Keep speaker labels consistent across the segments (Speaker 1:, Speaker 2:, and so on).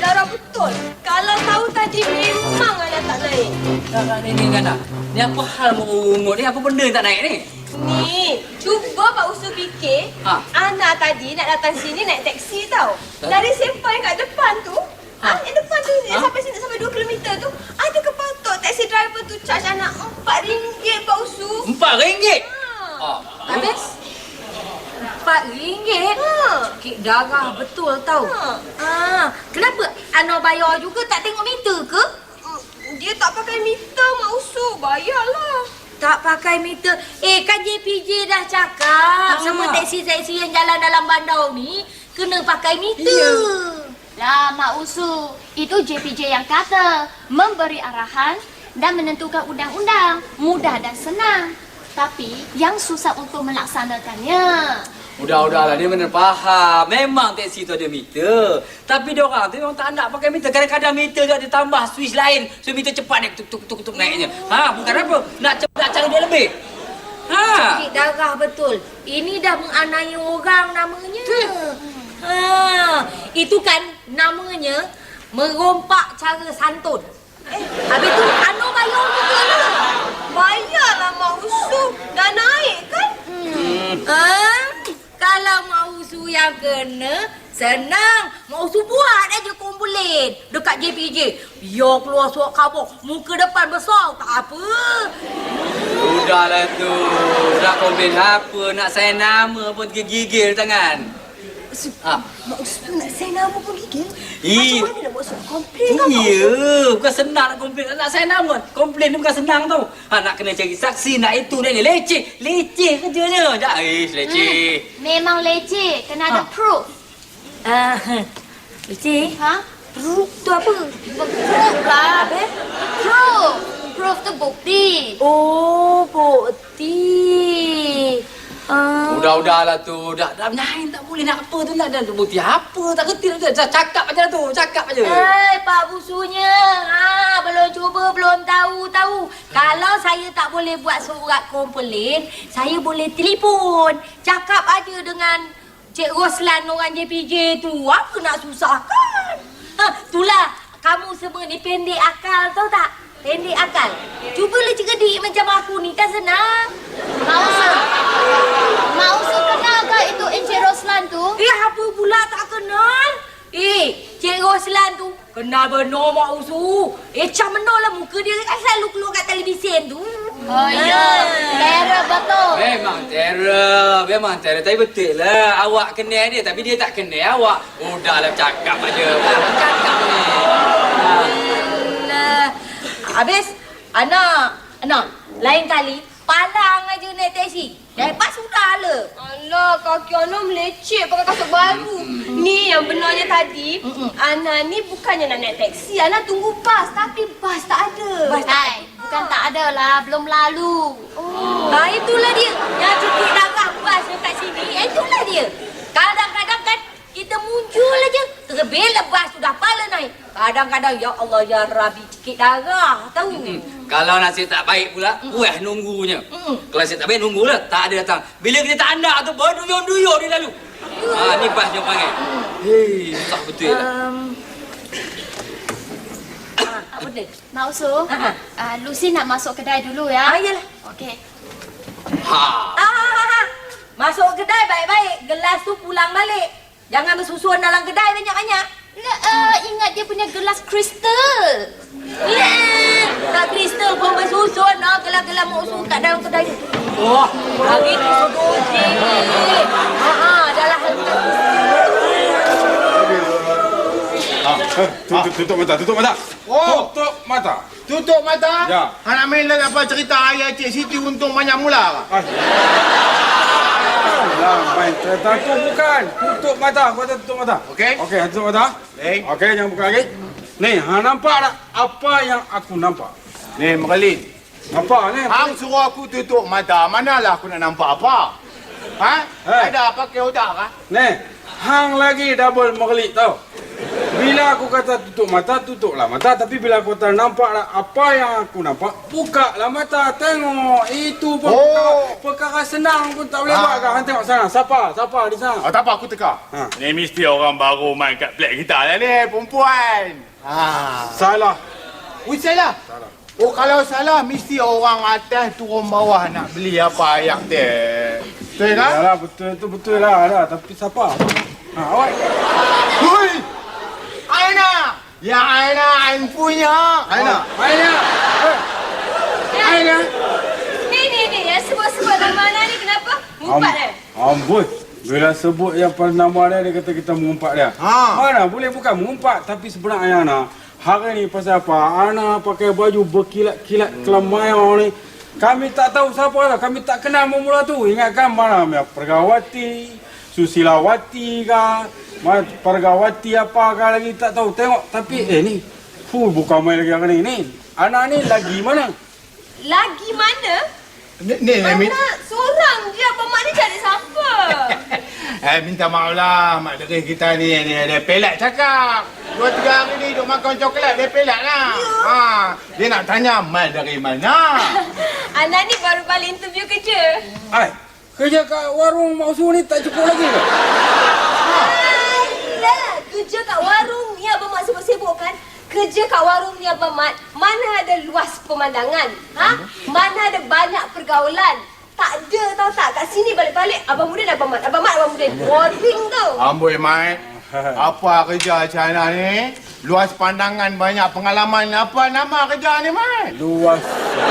Speaker 1: Zara betul. Kalau tahu tadi memang Ana tak naik.
Speaker 2: Kakak ni Gana. Ni apa hal mengungut ni? Apa benda yang tak naik ni?
Speaker 1: Ni, cuba Pak Usu fikir. Ana tadi nak datang sini naik teksi tau. Dari Sempang kat depan tu, yang depan tu, yang sampai sini sampai 2 km tu, ada ke patut taksi driver tu charge anak RM4 Pak Usu?
Speaker 2: RM4?
Speaker 3: Habis? RM4? Kek darah betul tau. Kenapa Ana bayar juga tak tengok meter ke?
Speaker 1: Dia tak pakai meter Mak Usu, bayarlah.
Speaker 3: Tak pakai meter. Kan JPJ dah cakap semua taksi-taksi yang jalan dalam bandar ni kena pakai meter.
Speaker 4: Lah Mak Usu, itu JPJ yang kata memberi arahan dan menentukan undang-undang mudah dan senang. Tapi yang susah untuk melaksanakannya.
Speaker 2: Udahlah, dia benar faham. Memang teksi tu ada meter. Tapi dia orang tu memang tak nak pakai meter. Kadang-kadang meter tu ada tambah switch lain. So meter cepat dia tuk naiknya. Bukan apa. Nak cara dia lebih.
Speaker 3: Cik darah betul. Ini dah menganiaya orang namanya. Itu kan namanya merompak cara santun. Habis tu Ana bayar juga lah.
Speaker 1: Bayarlah Mak Usu. Dah naik kan?
Speaker 3: Kalau Mak Usu yang kena, senang. Mak Usu buat aja komplain dekat JPJ. Ya keluar surat khabar, muka depan besar, tak apa.
Speaker 2: Udahlah tu. Nak komplain apa, nak sign nama pun gigil tangan.
Speaker 1: Mak Usu nak sign nama pun gigil?
Speaker 2: Macam
Speaker 1: mana nak buat surat komplain kan Mak Usu?
Speaker 2: Iya, bukan senang nak komplain. Nak sign nama. Komplain ni bukan senang tau. Nak kena cari saksi, nak itu dan ni. Leceh kerjanya. Leceh.
Speaker 4: Memang leceh, kena ada proof.
Speaker 3: Leceh? Proof tu apa?
Speaker 4: Proof lah. Proof tu bukti.
Speaker 3: Oh, bukti.
Speaker 2: Udahlah tu. Dah menyain tak boleh nak apa tu. Nak bukti apa. Tak kerti tu. Cakap aja tu. Cakap aja.
Speaker 3: Pak Busunya. Belum cuba, belum tahu. Kalau saya tak boleh buat surat komplain, saya boleh telefon. Cakap aja dengan Cik Roslan orang JPJ tu. Apa nak susahkan? Itulah. Kamu semua ni pendek akal, tahu tak? Pendek akal. Cubalah cerdik macam aku ni, kan senang.
Speaker 4: Mak Usu kenal ke itu Encik Roslan tu?
Speaker 3: Apa pula tak kenal? Cik Roslan tu kenal benar Mak Usu. Macam mana lah muka dia kan selalu keluar kat televisyen tu.
Speaker 4: Oh ya, terror betul.
Speaker 2: Memang terror. Tapi betul lah. Awak kenal dia tapi dia tak kenal awak. Udahlah cakap aja. Cakap ni.
Speaker 3: Habis, Ana, lain kali palang aja naik teksi. Lepas sudah lah.
Speaker 1: Alah, kaki Ana meleceh pakai kasut baru. Ni yang benarnya tadi, Ana ni bukannya nak naik teksi. Ana tunggu bas, tapi bas tak ada.
Speaker 4: Bukan tak ada lah, belum lalu.
Speaker 3: Itulah dia. Yang cukup darah bas dekat sini, itulah dia. Kadang-kadang kan, kita muncul aja. Terlebih lepas sudah pala naik. Kadang-kadang, ya Allah, ya Rabbi, sikit darah, tahu.
Speaker 2: Kalau nasib tak baik pula, nunggunya. Kalau nasib tak baik, nunggulah. Tak ada datang. Bila kita tak anda tu, berduyur-duyur dia lalu. Ni bas dia panggil. Susah betul lah.
Speaker 3: Apa benda?
Speaker 4: Mak Usu, Lucy nak masuk kedai dulu ya.
Speaker 3: Yalah.
Speaker 4: Okey.
Speaker 3: Masuk kedai baik-baik. Gelas tu pulang balik. Jangan bersusun dalam kedai banyak-banyak.
Speaker 4: Ingat dia punya gelas kristal.
Speaker 3: Tak kristal pun bersusun. Gelas-gelas Mak Usu kat dalam kedai tu. Hari tu sedoji. Dalam hal
Speaker 5: Tutup mata. Tutup mata.
Speaker 6: Tutup mata?
Speaker 5: Ya.
Speaker 6: Anak main lagi apa cerita ayah Cik Siti untung banyak mula ke?
Speaker 5: Main cerita tu bukan. Tutup mata. Kau tutup mata.
Speaker 6: Okey?
Speaker 5: Okey, tutup mata. Okey, jangan buka lagi. Ni, nampak tak apa yang aku nampak?
Speaker 6: Ni, Merlin.
Speaker 5: Apa ni?
Speaker 6: Hang suruh aku tutup mata. Manalah aku nak nampak apa? Ada pakai otak kah?
Speaker 5: Ni, hang lagi double merelik tau. Bila aku kata tutup mata, tutuplah mata. Tapi bila aku kata nampaklah apa yang aku nampak, bukalah mata. Tengok. Itu pun perkara senang pun tak boleh buat kan. Han tengok sana. Siapa di sana?
Speaker 6: Tak apa, aku teka. Ni mesti orang baru main kat flat kita lah ni, perempuan.
Speaker 5: Salah.
Speaker 6: Salah? Salah. Oh, kalau salah, mesti orang atas turun bawah nak beli apa ayak dia. Betul kan?
Speaker 5: Yalah, betul lah. Tapi siapa? Awak.
Speaker 6: Hui! Aina! Ya Aina, Ain punya. Aina.
Speaker 5: Aina.
Speaker 1: Ni, yang sebut-sebut nama Ana ni kenapa? Ngumpat
Speaker 5: Amboi. Bila sebut yang nama dia kata kita mengumpat dia. Mana boleh bukan mengumpat. Tapi sebenarnya Ana, hari ni pasal apa? Ana pakai baju berkilat-kilat kelamaya ni. Kami tak tahu siapa lah. Kami tak kenal mula tu. Ingatkan mana? Pergawati, Susilawati kah? Pergawati apakah lagi tak tahu. Tengok. Tapi ni. Bukan main lagi hari ni. Anak ni lagi mana?
Speaker 1: Lagi mana?
Speaker 6: Ni,
Speaker 1: Ana seorang je. Abang Mak ni cari siapa?
Speaker 6: minta maaf lah, mak deri kita ni dia pelak cakap. 2-3 hari ni duk makan coklat, dia pelak lah. Dia nak tanya mal dari mana.
Speaker 1: Ana ni baru balik interview kerja.
Speaker 5: Kerja kat warung Mak Usu ni tak cukup lagi ke?
Speaker 1: Alah, kerja kat warung ni Abang Mat sibuk-sibuk kan? Kerja kat warung ni Abang Mat, mana ada luas pemandangan? Mana ada banyak pergaulan? Tak ada tau tak? Kat sini balik-balik Abang Mudin, Abang Mat. Boring tau.
Speaker 6: Amboi, Mat. Apa kerja macam mana ni? Luas pandangan, banyak pengalaman. Apa nama kerja ni, Mat?
Speaker 5: Luas.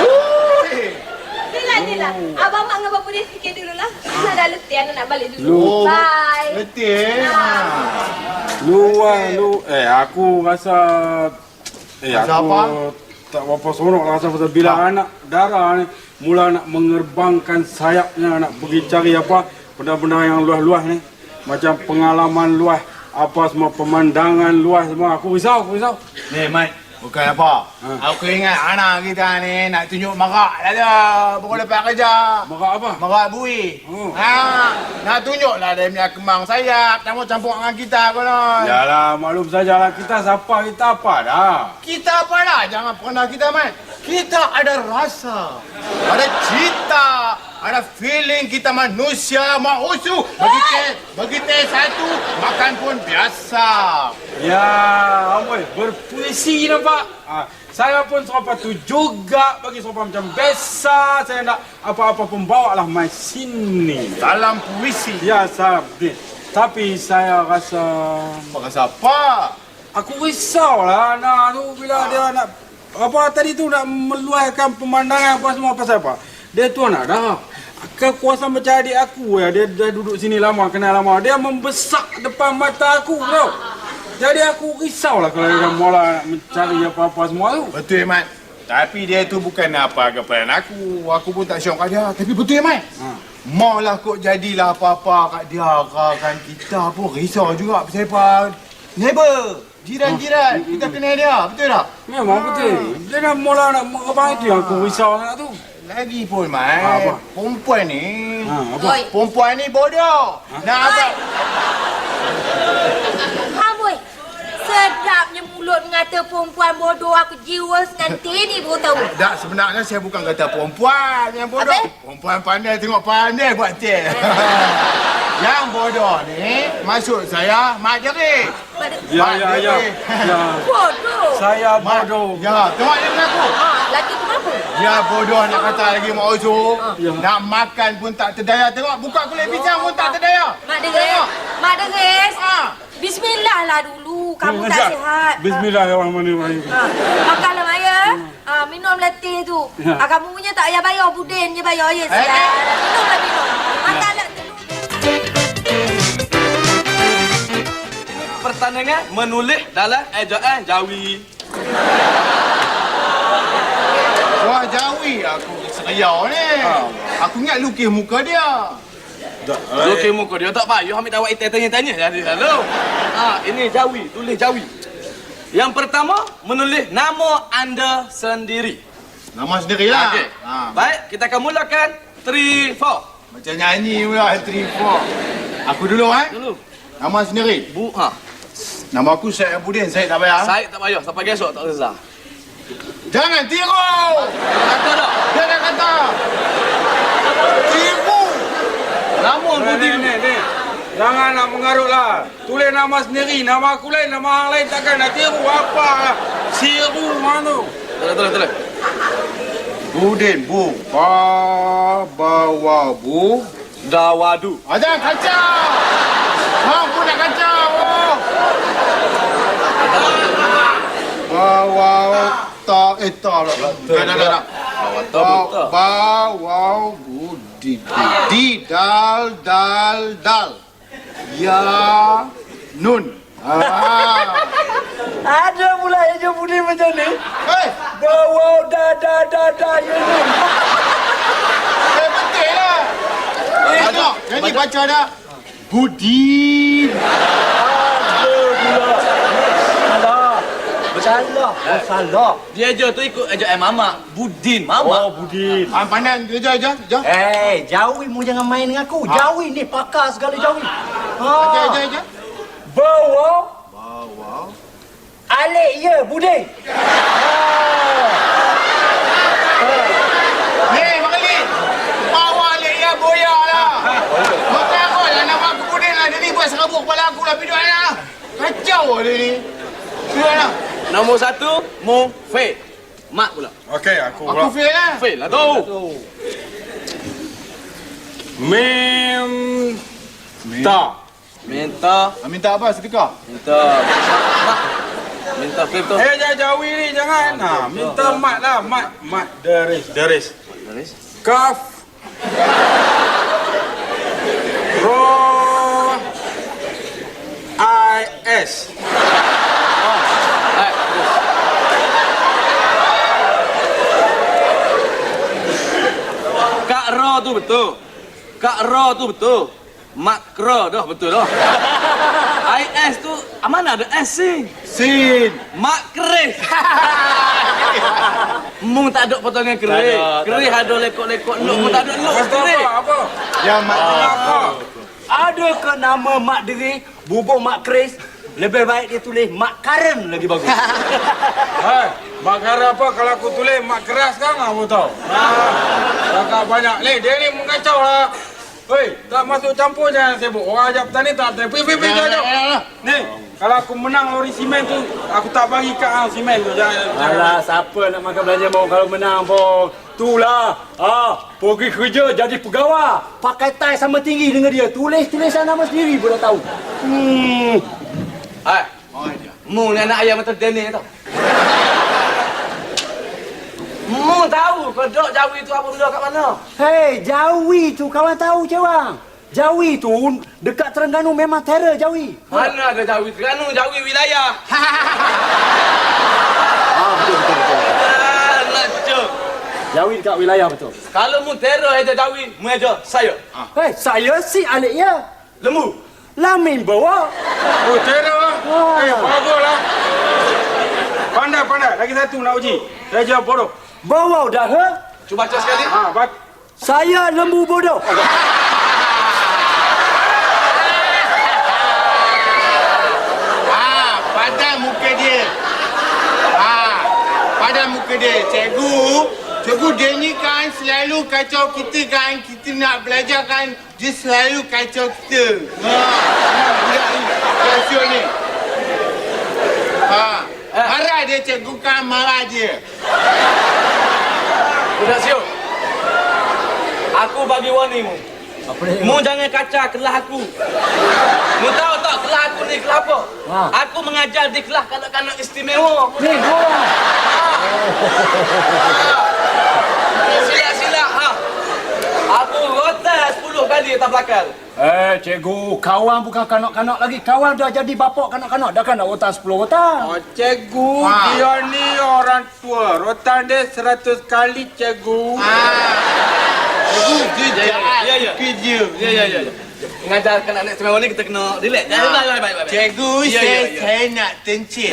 Speaker 1: Yelah. Abang Mat dengan Abang Mudin fikir dululah. Ana dah letih, Ana nak balik dulu. Bye.
Speaker 6: Letih.
Speaker 5: Luas. Aku rasa...
Speaker 6: apa?
Speaker 5: Tak berapa seronok lah rasa pasal bila anak darah ni mula nak mengerbangkan sayapnya, nak pergi cari apa benda-benda yang luas-luas ni, macam pengalaman luas, apa semua pemandangan luas semua. Aku risau.
Speaker 6: Ni, Mat, bukan apa. Aku ingat anak kita ni nak tunjuk marak lah dia. Pukul lepas kerja.
Speaker 5: Marak apa?
Speaker 6: Marak bui. Nak tunjuklah dia punya kembang sayap. Campur-campur dengan kita konon.
Speaker 5: Yalah, maklum sajalah kita siapa, kita apa dah.
Speaker 6: Kita apa dah? Jangan pernah kita, Mat. Kita ada rasa, ada cita, ada feeling kita manusia Mausu. Bagi teh satu, makan pun biasa.
Speaker 5: Ya, Amoy, berpuisi nampak. Saya pun serupa tu juga bagi serupa macam biasa. Saya nak apa-apa pun bawa lah mai sini.
Speaker 6: Dalam puisi.
Speaker 5: Ya, salam. Tapi saya rasa...
Speaker 6: Rasa apa?
Speaker 5: Aku risaulah anak tu bila dia nak... Apa tadi tu nak meluahkan pemandangan apa semua pasal apa? Dia tu anak dah. Kekuasaan macam adik aku ya. Dia dah duduk sini lama, kenal lama. Dia membesak depan mata aku tau. Jadi aku risaulah kalau dia mula nak mencari apa-apa semua tu.
Speaker 6: Betul, Mat. Tapi dia tu bukan apa kepada aku. Aku pun tak syok kat dia. Tapi betul, Mat. Maulah kok jadilah apa-apa kat dia kan kita pun risau juga pasal apa. Neighbor, jiran-jiran, kita kenal dia, betul tak?
Speaker 5: Memang betul. Dia dah mula nak apa itu yang aku risau sangat tu.
Speaker 6: Lagi pun, Mat. Perempuan ni.
Speaker 5: Apa?
Speaker 6: Perempuan ni bodoh. Nak apa?
Speaker 3: Amboi, sedapnya mulut mengata perempuan bodoh. Aku jiwa nanti ni baru tahu.
Speaker 6: Tak, sebenarnya saya bukan kata perempuan yang bodoh.
Speaker 3: Apa?
Speaker 6: Perempuan pandai tengok pandai buat teh. Yang bodoh ni, maksud saya, Mak Jeri.
Speaker 5: Ya.
Speaker 3: Bodoh.
Speaker 5: Saya bodoh.
Speaker 6: Ya, tengok dia mengaku.
Speaker 3: Lagi tu kenapa?
Speaker 6: Ya bodoh nak kata lagi Mak Ozo. Nak makan pun tak terdaya. Tengok, buka kulit pisang pun tak terdaya.
Speaker 3: Mak Deres. Bismillah lah dulu. Kamu tak sihat.
Speaker 5: Bismillahirrahmanirrahim.
Speaker 3: Makanlah Maya. Minum letih tu. Kamu punya tak payah bayar. Budin je bayar. Ya, sihat. Minum. Makanlah dulu.
Speaker 7: Pertandingan menulis dalam ejaan Jawi.
Speaker 6: Wah, Jawi aku seriau ni. Aku ingat lukis muka dia.
Speaker 7: Lukis muka dia tak payah ambil dawai tanya-tanya jadi lalu. Ini Jawi, tulis Jawi. Yang pertama menulis nama anda sendiri.
Speaker 6: Nama sendirilah.
Speaker 7: Okey. Baik, kita akan mulakan 3 4.
Speaker 6: Macam nyanyi pula 3 4. Aku dulu
Speaker 7: Dulu.
Speaker 6: Nama sendiri. Nama aku Syed Abudin, Syed tak payah.
Speaker 7: Saya tak payah, sampai esok tak Reza.
Speaker 6: Jangan tiru!
Speaker 7: Kata tak?
Speaker 6: Jangan kata! Tiru!
Speaker 7: Nama Budin
Speaker 5: Ni. Jangan nak mengarutlah. Tulis nama sendiri. Nama aku lain, nama orang lain takkan nak tiru apa. Siru mana?
Speaker 7: Tulis.
Speaker 6: Budin, bu. Bawa, bu.
Speaker 7: Dawadu.
Speaker 6: Jangan kacau! Mampu nak kacau! Bawa, tak. Tak. Bawa, budi. Dal. Ya, nun.
Speaker 2: Ada pula Eja Budin macam ni.
Speaker 6: Hei!
Speaker 2: Bawa da ya nun.
Speaker 6: Betul lah! Tengok, jadi baca dah. Budin.
Speaker 2: Salah.
Speaker 7: Dia je tu ikut ejaan Mama. Budin, Mama.
Speaker 2: Budin.
Speaker 6: Pandang, jom.
Speaker 2: Jawi mu jangan main dengan aku. Jawi ni pakar segala Jawi.
Speaker 6: Ajar.
Speaker 2: Bawa. Alik ya Budin.
Speaker 6: Ni, Makali. Bawa alik ya, boya lah. Makan aku lah, nama aku Budin lah. Dia ni buat serabut kepala aku lah. Pergi lah. Kacau lah dia ni. Sudah lah.
Speaker 7: Nombor 1, Mu Fe. Mak pula.
Speaker 5: Okey, aku
Speaker 6: Aku
Speaker 5: pula.
Speaker 6: fail lah.
Speaker 7: Fe lah tu. Minta.
Speaker 6: Minta apa? Sedekah?
Speaker 7: Minta. Mak. Minta Fe tu.
Speaker 5: Jawi ni jangan. Minta mat lah. Mat. Deris.
Speaker 7: Garis.
Speaker 5: Kaf. Ro. I-S.
Speaker 7: Hai, terus. Kak Ro tu betul. Makro dah betul dah. IS tu mana ada S sih?
Speaker 6: Sin.
Speaker 7: Makrih. Mung tak ada potongan kerih. Kerih ada lekok-lekok luk pun tak ada luk kerih.
Speaker 5: Apa?
Speaker 6: Yang mak
Speaker 5: Apa?
Speaker 2: Ada ke nama Mak Deri, bubur Mak Kris? Lebih baik dia tulis Mak Karen lagi bagus.
Speaker 5: Hai, mak kara apa kalau aku tulis mak keras kan apa tahu? Cakap banyak ni, dia ni mengacau lah. Hei, tak masuk campur jangan sibuk. Orang ajak petani tak ada. Pergi jauh. Ni, kalau aku menang lori simen tu, aku tak bagi kat hang simen tu. Jangan.
Speaker 2: Alah, siapa nak makan belanja mau kalau menang pun. Itulah. Pergi kerja jadi pegawai. Pakai tai sama tinggi dengan dia. Tulis-tulisan nama sendiri pun dah tahu.
Speaker 7: Hai. Mu ni anak ayam macam Daniel tau. Mu tahu kodok Jawi tu apa benda kat mana?
Speaker 2: Hei, Jawi tu kawan tahu je bang. Jawi tu dekat Terengganu memang terror Jawi.
Speaker 7: Mana ada Jawi Terengganu, Jawi wilayah.
Speaker 2: Betul.
Speaker 7: Nak cuk.
Speaker 2: Jawi dekat wilayah betul.
Speaker 7: Kalau mu terror aja Jawi, mu aja saya.
Speaker 2: Hei, saya si alik ya.
Speaker 7: Lembu.
Speaker 2: Lamin bawa.
Speaker 5: Oh, teror. Baguslah. Pandai. Lagi satu nak uji. Saya jawab bodoh.
Speaker 2: Bawa dah he?
Speaker 7: Cuba baca sekali.
Speaker 2: Saya lembu bodoh.
Speaker 6: Pada muka dia. Pada muka dia. Cikgu dia ni kan selalu kacau kita kan. Kita nak belajar kan. Dia selalu kacau kita. Budak ni. Kacau ni. Marah dia cikgu kan marah dia.
Speaker 7: Budak siuk. Aku bagi warning mu.
Speaker 2: Apa dia?
Speaker 7: Mu jangan kacau kelas aku. Mu tahu tak kelas aku ni kelas apa? Aku mengajar di kelas kanak-kanak istimewa.
Speaker 2: Ni gua.
Speaker 7: Sila. Aku rotan 10 kali atas belakang.
Speaker 2: Cikgu, kawan bukan kanak-kanak lagi. Kawan dah jadi bapak kanak-kanak. Dah kan nak rotan 10 rotan.
Speaker 5: Cikgu, dia ni orang tua. Rotan dia 100 kali, cikgu.
Speaker 6: Cikgu dia jahat.
Speaker 7: Ya.
Speaker 6: Kerja.
Speaker 7: Ya. Mengajar kanak-kanak istimewa ni kita kena relax. Baik.
Speaker 6: Cikgu,
Speaker 7: Ya.
Speaker 6: saya nak tencit.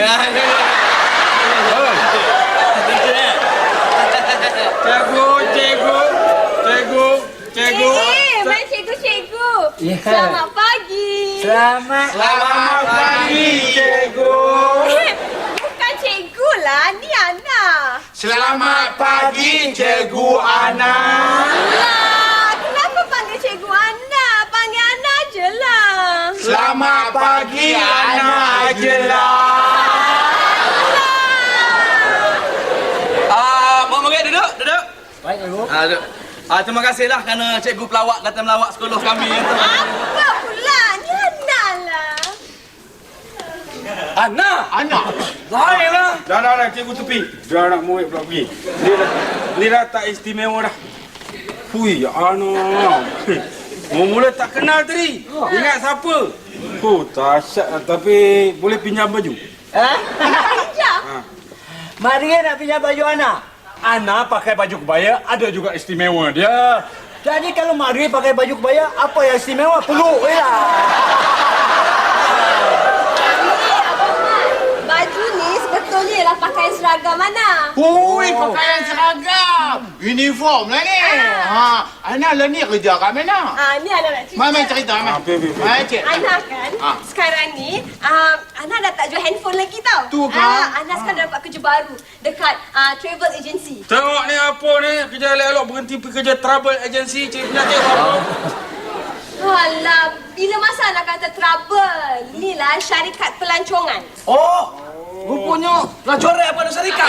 Speaker 5: Cikgu.
Speaker 1: Cikgu.
Speaker 3: Ya.
Speaker 1: Selamat pagi.
Speaker 2: Selamat
Speaker 5: pagi, cikgu.
Speaker 1: Bukan cikgu lah, ni Ana.
Speaker 6: Selamat pagi, Cikgu Ana.
Speaker 1: Lah, kenapa panggil cikgu Ana? Panggil Ana je lah.
Speaker 6: Selamat pagi, Ana Ajelah.
Speaker 7: Puan Murid duduk.
Speaker 2: Baik, cikgu.
Speaker 7: Duduk. Terima kasihlah kerana cikgu pelawak datang melawak sekolah kami.
Speaker 1: Apa pula? Ni Ana lah.
Speaker 7: Ana. Baiklah.
Speaker 5: Dah, cikgu tepi. Biar anak murid pula pergi. Ni dah tak istimewa dah. Hui, anak. Mula tak kenal tadi. Ingat siapa? Tasyat lah. Tapi boleh pinjam baju?
Speaker 1: Pinjam.
Speaker 8: Maria nak pinjam baju Ana. Ana pakai baju kebaya, ada juga istimewa dia. Jadi kalau Maria pakai baju kebaya, apa yang istimewa? Peluk je lah.
Speaker 1: Baju ni sebetulnya ialah pakaian seragam Ana.
Speaker 6: Hui, pakaian seragam. Uniform lah ni. Ana lah ni kerja kat mana?
Speaker 1: Ni Ana nak cerita.
Speaker 6: Mai cerita, Mai. Mai, Cik.
Speaker 1: Ana kan, sekarang ni, Ana dah tak jual handphone lagi tau.
Speaker 6: Tu kan?
Speaker 1: Ana sekarang dah dapat kerja baru dekat travel agency.
Speaker 5: Tengok ni apa ni. Kerja elok-elok berhenti pergi kerja travel agency. Cik penyakit apa?
Speaker 1: Alah, bila masa Ana kata trouble? Inilah syarikat pelancongan.
Speaker 7: Rupanya pelajaran pada syarikat.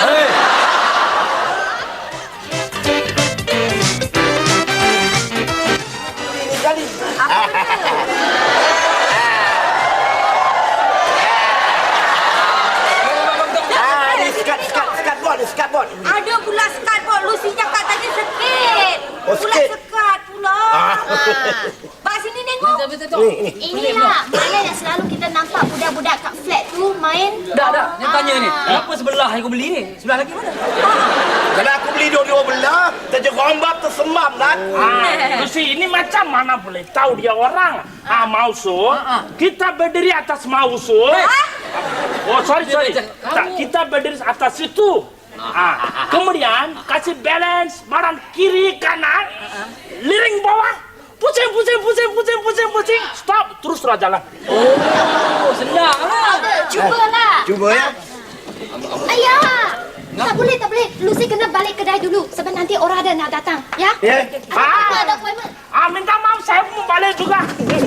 Speaker 8: Skateboard.
Speaker 3: Ada pula skateboard. Lucy cakap tadi sikit. Pula
Speaker 8: sikit.
Speaker 3: sekat pula. Pak sini tengok.
Speaker 4: Betul. Inilah mana yang selalu kita nampak budak-budak kat flat tu main.
Speaker 2: Dah. Dia tanya ni. Kenapa sebelah yang kau beli ni? Sebelah lagi mana?
Speaker 8: Kalau aku beli dua-dua belah, terjerombak tersemam lah aku.
Speaker 9: Lucy, ini macam mana boleh tahu dia orang? Mausu, kita berdiri atas Mausu. Oh, sorry. Kita berdiri atas situ. Kemudian kasih balance badan kiri kanan, liring bawah, pusing. Stop, terus jalan.
Speaker 2: Oh, senang lah.
Speaker 4: Cubalah.
Speaker 8: Cuba ya.
Speaker 4: Ayah. Tak boleh. Lucy kena balik kedai dulu sebab nanti orang ada nak datang. Ya?
Speaker 8: Ya.
Speaker 4: Ada appointment.
Speaker 9: Minta maaf, saya mau balik juga.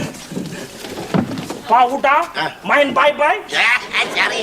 Speaker 9: Kau udah main bye-bye?
Speaker 8: Ya, cari.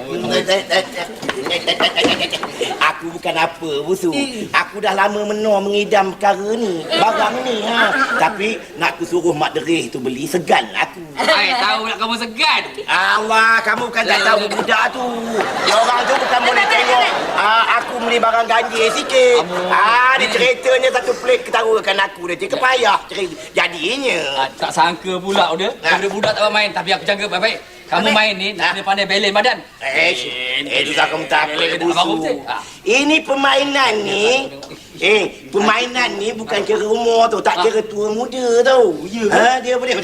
Speaker 8: Aku bukan apa, Busu. Aku dah lama mengidam perkara ni, barang ni. Tapi nak aku suruh Mak Derih tu beli, segan aku.
Speaker 2: Tahu nak kamu segan.
Speaker 8: Allah, kamu kan tak tahu budak tu. Dia orang tu bukan boleh tengok aku beli barang ganjil sikit. Dia ceritanya satu pelik ketawakan aku. Dia kepayah jadinya.
Speaker 2: Tak sangka pula dia. Budak tak main. Tapi aku jaga baik-baik. Kamu main ni, nak kena pandai balance badan.
Speaker 8: Susah kamu takut, Busu. Ini permainan ni. Permainan ni bukan kira umur tu. Tak kira tua muda tau. Dia boleh.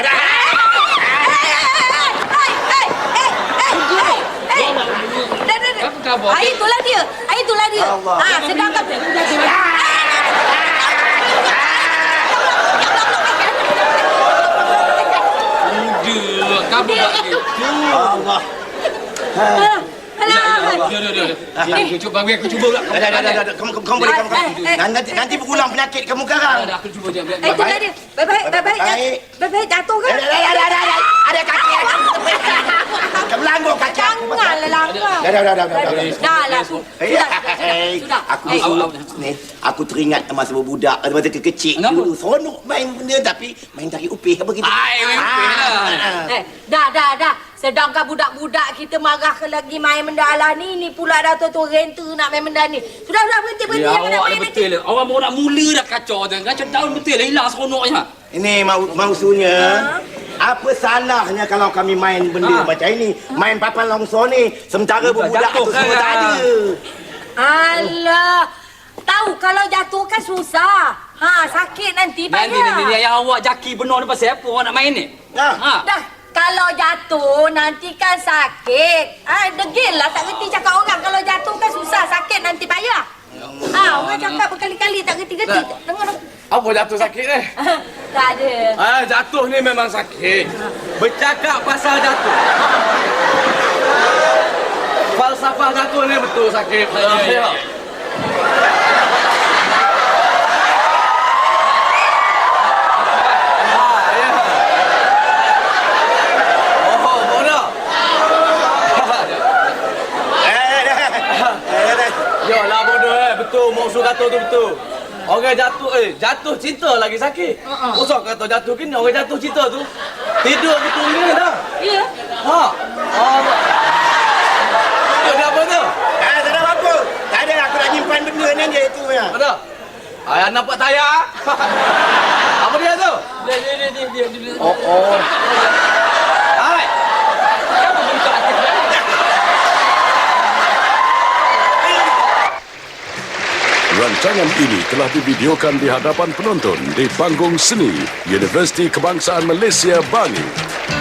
Speaker 3: Itulah dia. Sedangkan
Speaker 2: Kabur lagi.
Speaker 8: Allah.
Speaker 2: Aku cuba pula.
Speaker 8: Kamu boleh. Nanti berulang penyakit kamu sekarang.
Speaker 2: Aku cuba je.
Speaker 3: itulah dia. Baik-baik jatuh kan?
Speaker 8: Ada kaki aku. Kamu langgar kaki aku.
Speaker 3: Janganlah langgar. Dah lah. Sudah.
Speaker 8: Aku teringat masa berbudak, masa kecil dulu. Seronok main benda tapi main tarik upih apa gitu.
Speaker 3: Dah. Sedangkan budak-budak kita marah ke lagi main benda ala ni pula dah tu renter nak main benda ni. Sudah berhenti.
Speaker 2: Ya, awak dah betul lah. Orang baru nak mula dah kacau tu. Kacau tahun betul lah. Hilang seronoknya.
Speaker 8: Ini maksudnya, apa salahnya kalau kami main benda macam ini? Main papan longsor ni, sementara berbudak tu semua tak ada.
Speaker 3: Alah. Tahu kalau jatuh kan susah. Sakit nanti payah.
Speaker 2: Nanti yang awak jaki benar ni pasal apa awak nak main ni?
Speaker 3: Dah. Kalau jatuh nanti kan sakit. Degil lah tak reti cakap orang. Kalau jatuh kan susah, sakit nanti payah. Orang cakap berkali-kali tak reti-reti. Dengar.
Speaker 7: Apa jatuh sakit ni?
Speaker 3: Tak ada.
Speaker 7: Jatuh ni memang sakit. Bercakap pasal jatuh. Falsafah jatuh ni betul sakit. Ya. Yalah bodoh betul maksud kata tu betul. Orang jatuh cinta lagi sakit. Usah kata jatuh kini orang jatuh cinta tu tidur betul ni dah.
Speaker 3: Ya.
Speaker 7: Ada apa tu?
Speaker 8: Tak ada apa-apa. Tak ada, aku nak nyimpan benda ni je itu ya.
Speaker 7: Ada. Ayah nampak tayar. Apa dia tu?
Speaker 2: Dia.
Speaker 7: Oh. Hai.
Speaker 10: Rancangan ini telah divideokan di hadapan penonton di panggung seni Universiti Kebangsaan Malaysia, Bangi.